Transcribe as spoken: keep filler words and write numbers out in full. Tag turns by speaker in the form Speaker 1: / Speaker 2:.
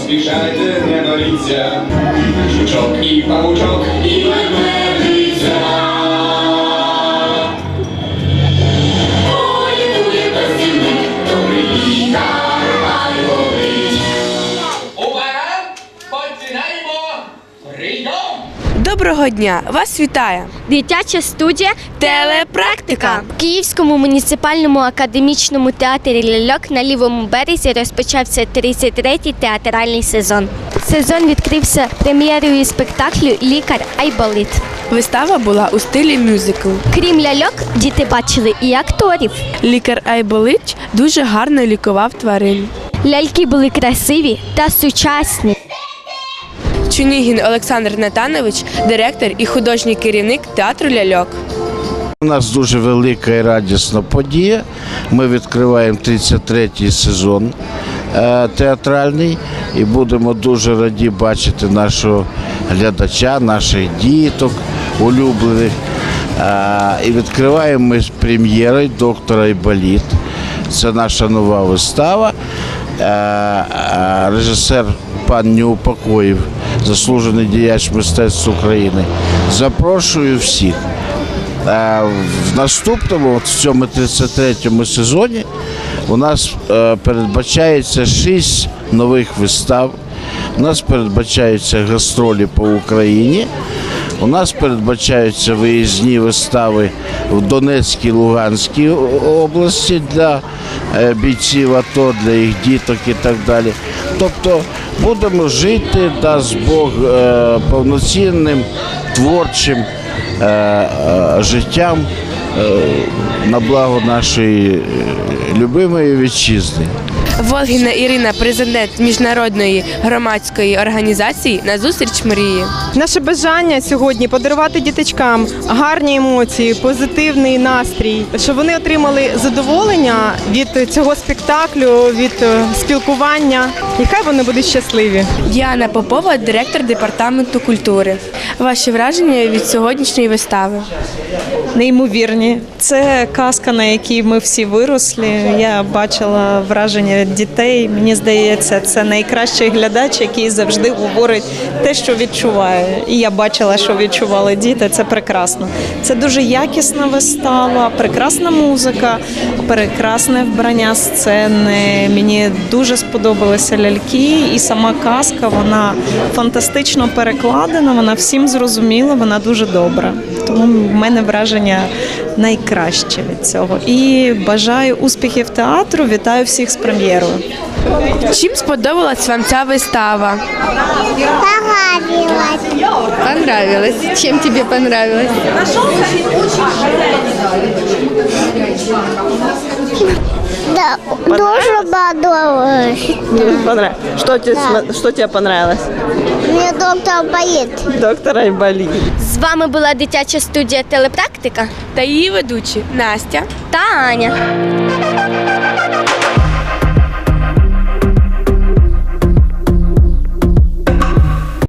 Speaker 1: поспішайте, не боріться, жучок і павучок, і ведмедиця. Політує безцінник, добрий лікар, ай болить. Увага! Починаємо! Прийом!
Speaker 2: Доброго дня! Вас вітає
Speaker 3: Дитяча студія
Speaker 2: «Телепрактика».
Speaker 3: В Київському муніципальному академічному театрі «Ляльок» на Лівому березі розпочався тридцять третій театральний сезон. Сезон відкрився прем'єрою спектаклю «Лікар Айболит».
Speaker 2: Вистава була у стилі мюзикл.
Speaker 3: Крім ляльок, діти бачили і акторів.
Speaker 2: Лікар Айболит дуже гарно лікував тварин.
Speaker 3: Ляльки були красиві та сучасні.
Speaker 2: Чунігін Олександр Натанович – директор і художній керівник театру «Ляльок».
Speaker 4: У нас дуже велика і радісна подія. Ми відкриваємо тридцять третій сезон е, театральний і будемо дуже раді бачити нашого глядача, наших діток улюблених. Е, і відкриваємо ми з прем'єрою «Доктор Айболит». Це наша нова вистава. Е, е, режисер пан Неупокоїв, заслужений діяч мистецтв України. Запрошую всіх. В наступному, в цьому тридцять третьому сезоні, у нас передбачається шість нових вистав, у нас передбачаються гастролі по Україні, у нас передбачаються виїзні вистави в Донецькій, Луганській області для бійців АТО, для їх діток і так далі. Тобто будемо жити, дасть Бог, повноцінним, творчим життям на благо нашої любимої вітчизни.
Speaker 2: Волгіна Ірина, президент міжнародної громадської організації «На зустріч мрії».
Speaker 5: Наше бажання сьогодні подарувати діточкам гарні емоції, позитивний настрій, щоб вони отримали задоволення від цього спектаклю, від спілкування. І хай вони будуть щасливі.
Speaker 2: Діана Попова, директор департаменту культури. Ваші враження від сьогоднішньої вистави?
Speaker 6: Неймовірні. Це казка, на якій ми всі виросли. Я бачила враження дітей. Мені здається, це найкращий глядач, який завжди говорить те, що відчуває. І я бачила, що відчували діти. Це прекрасно. Це дуже якісна вистава, прекрасна музика, прекрасне вбрання сцени. Мені дуже сподобалися ляльки, і сама казка, вона фантастично перекладена, вона всім зрозуміла, вона дуже добра. Тому в мене враження найкраще від цього. І бажаю успіхів театру, вітаю всіх з прем'єрою.
Speaker 2: Чим сподобалась вам ця вистава?
Speaker 3: Понравилось.
Speaker 2: Понравилось. Чим тобі понравилось?
Speaker 3: Да, дуже понравилось.
Speaker 6: Что тебе,
Speaker 3: Да.
Speaker 6: что тебе понравилось?
Speaker 3: Мені доктор Айболит.
Speaker 6: Доктор Айболит.
Speaker 3: З вами була дитяча студія «Телепрактика»
Speaker 2: Та її ведучі Настя
Speaker 3: та Аня.